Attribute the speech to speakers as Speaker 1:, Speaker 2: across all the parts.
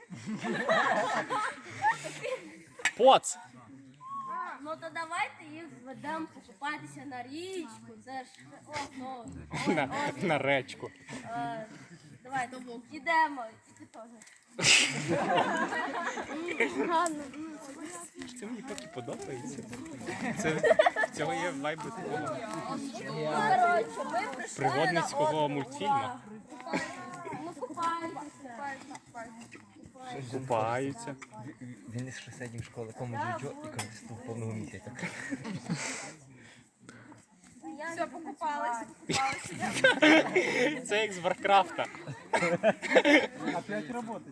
Speaker 1: Поц!
Speaker 2: Ну то давайте їх ведемо покупатися на річку. Це ж
Speaker 1: На речку.
Speaker 2: Давайте йдемо. І ти теж.
Speaker 1: Це мені так і подобається. Цього є вайби такого
Speaker 2: Коротше, ми прийшли
Speaker 1: пригодницького мультфільму.
Speaker 2: Ну купаємося.
Speaker 1: Купаються.
Speaker 3: Він із сусідньої школи кому джо і користував повного місяця.
Speaker 2: Все, покупалися.
Speaker 1: Це як з Варкрафта.
Speaker 4: Опять работать.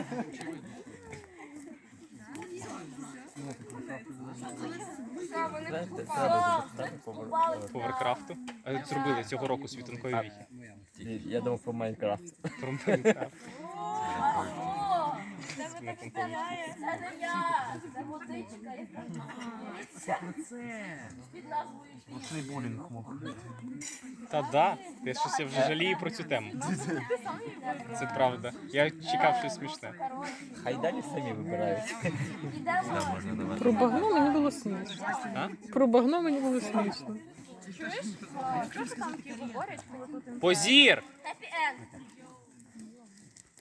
Speaker 1: По Варкрафту. А зробили цього року світанкові віхи.
Speaker 3: Я думав про Майнкрафт.
Speaker 1: Про Майнкрафт.
Speaker 2: О, це ви так стараєте. Це не я. Це водичка, яка під назвою «Піч».
Speaker 4: Цей булінг мог.
Speaker 1: Та да, я вже жалію про цю тему. Це правда. Я чекав щось смішне.
Speaker 3: Хай далі самі вибирають.
Speaker 2: Йдемо.
Speaker 5: Про багно мені було смішно.
Speaker 1: А?
Speaker 5: Про багно мені було смішно.
Speaker 1: Позір!
Speaker 2: Хеппі енд.